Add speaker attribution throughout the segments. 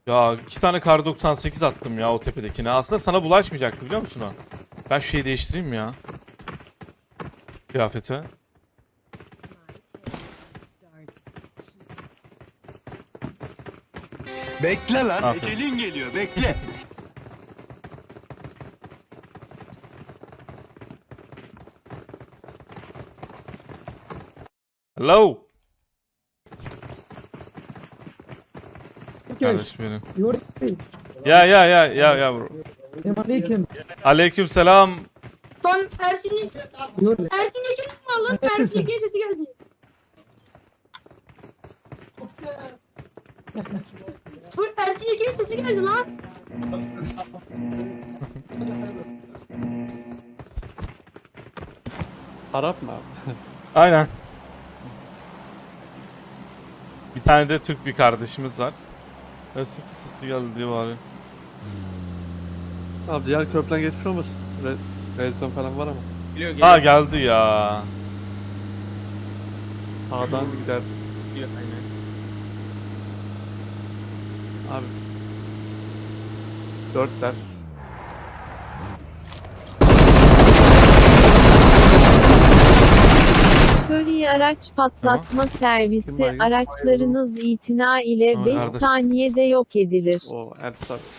Speaker 1: Ya 2 tane kar 98 attım ya o tepedekine. Aslında sana bulaşmayacaktı biliyor musun o? Ben şu şeyi değiştireyim ya. Kıyafeti.
Speaker 2: Bekle lan.
Speaker 1: Aferin.
Speaker 2: Ecelin geliyor. Bekle.
Speaker 1: Hello. Kardeş benim. Ya bro.
Speaker 3: Selamünaleyküm.
Speaker 1: Aleyküm selam.
Speaker 4: Lan Ersin'in Ekin mi var lan? Ersin Ekin sesi geldi. Bu Ersin Ekin'in sesi geldi lan.
Speaker 5: Arap mı abi?
Speaker 1: Aynen. Bir tane de Türk bir kardeşimiz var. Nasıl sesi geldi diye bari.
Speaker 5: Abi diğer köprüden geçmiş olmasın? Redstone falan var ama.
Speaker 6: Geliyor
Speaker 1: Ha geldi ya.
Speaker 5: Sağdan gider.
Speaker 6: geliyor aynen.
Speaker 5: Abi. 4'ler.
Speaker 7: Curry araç patlatma servisi araçlarınız itina ile
Speaker 1: Tamam
Speaker 7: 5
Speaker 1: kardeşim.
Speaker 7: saniyede yok edilir.
Speaker 5: O Ertuğrul abi.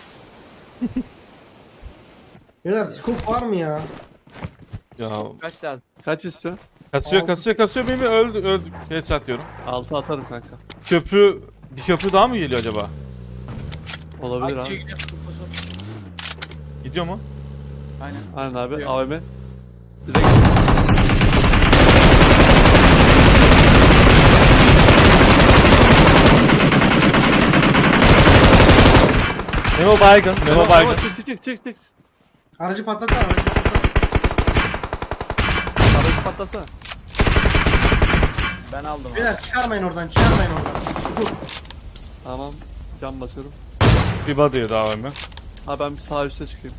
Speaker 3: Beyler scope var mı ya?
Speaker 1: Ya
Speaker 6: Kaç lazım?
Speaker 5: Kaç istiyor?
Speaker 1: kasıyor beni öldü. Headshot diyorum.
Speaker 5: 6 atarım kanka.
Speaker 1: Bir köprü daha mı geliyor acaba?
Speaker 5: Olabilir
Speaker 6: Gidiyor
Speaker 5: abi.
Speaker 6: gidiyor. Kupusu.
Speaker 1: Gidiyor mu?
Speaker 6: Aynen.
Speaker 5: Aynen abi.
Speaker 6: Gidiyor.
Speaker 5: AVM. Direkt
Speaker 1: Memo baygın. Memo baygın.
Speaker 5: Çık.
Speaker 3: Aracı patlatsana, aracı patlatsana.
Speaker 5: Aracı patlasana.
Speaker 6: Ben aldım abi.
Speaker 3: Beyler çıkarmayın oradan, çıkarmayın oradan. Dur.
Speaker 5: Tamam. Cam basıyorum.
Speaker 1: Bir body'ye daha var mı?
Speaker 5: Abi ben bir sağ üstte çıkayım.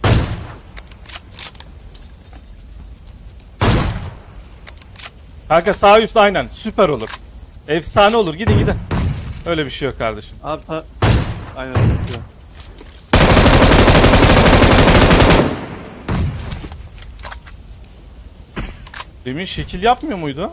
Speaker 1: Kanka sağ üst aynen. Süper olur. Efsane olur. Gidin. Öyle bir şey yok kardeşim.
Speaker 5: Abi sağ... Aynen. Çıkıyor.
Speaker 1: Demin şekil yapmıyor muydu?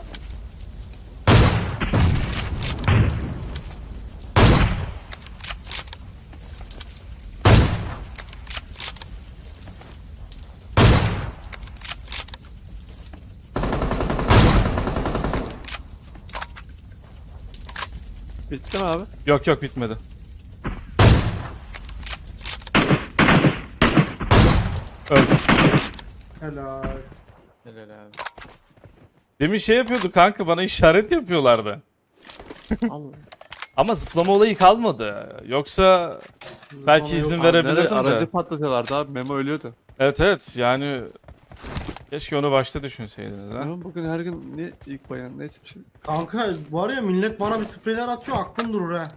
Speaker 5: Bitti mi abi?
Speaker 1: Yok bitmedi. Öldü.
Speaker 3: Helal.
Speaker 6: Helal abi.
Speaker 1: Demin şey yapıyordu kanka bana işaret yapıyorlardı.
Speaker 5: Allah.
Speaker 1: Ama zıplama olayı kalmadı. Yoksa belki izin verebilirdim
Speaker 5: Aracı
Speaker 1: de.
Speaker 5: patlatıyorlardı abi. Memo ölüyordu.
Speaker 1: Evet yani keşke onu başta düşünseydiniz ha.
Speaker 5: Memo bugün her gün niye ilk bayan neyse bir şey.
Speaker 3: Kanka var ya millet bana bir spreyler atıyor, aklım durur ha.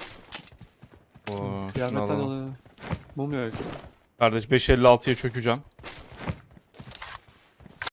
Speaker 1: Oo, şunu
Speaker 5: Kıyametten
Speaker 1: alalım.
Speaker 5: oluyor. Mum yok.
Speaker 1: Kardeş 556'ya çökeceğim.